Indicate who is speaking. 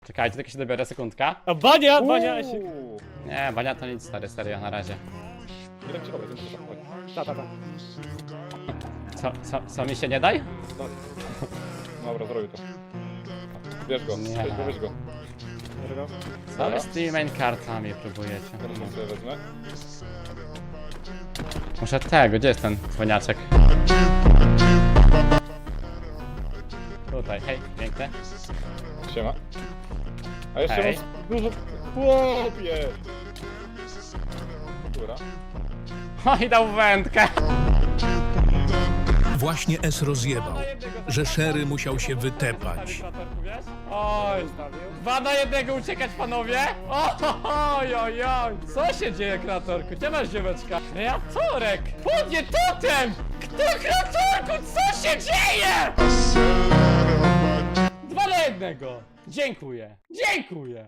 Speaker 1: Czekajcie, tylko się dobiorę, sekundka.
Speaker 2: A Bania, Bania się...
Speaker 1: Nie, Bania to nic, stary, serio, na razie.
Speaker 3: Jeden ci dobry,
Speaker 2: Ta.
Speaker 1: Co mi się nie daj?
Speaker 3: Dobra, zrobię to. Bierz go,
Speaker 1: Nie.
Speaker 3: weź go.
Speaker 1: Co wy z tymi main kartami próbujecie?
Speaker 3: Teraz sobie wezmę.
Speaker 1: Muszę tego, gdzie jest ten dzwoniaczek? Tutaj, hej, piękny.
Speaker 3: Siema. A jeszcze
Speaker 1: Hej.
Speaker 3: mam dużo... Chłopie! Dobra.
Speaker 1: O, i dał wędkę!
Speaker 4: Właśnie S rozjebał, że Sherry musiał się wytepać.
Speaker 1: Oj, 2 na 1 uciekać, panowie! Oj, oj, oj! Co się dzieje, Kratorku? Gdzie masz dzieweczka? Kreatorek! Podnie totem! Kto, Kratorku? Co się dzieje? 2 na 1! Dziękuję! Dziękuję!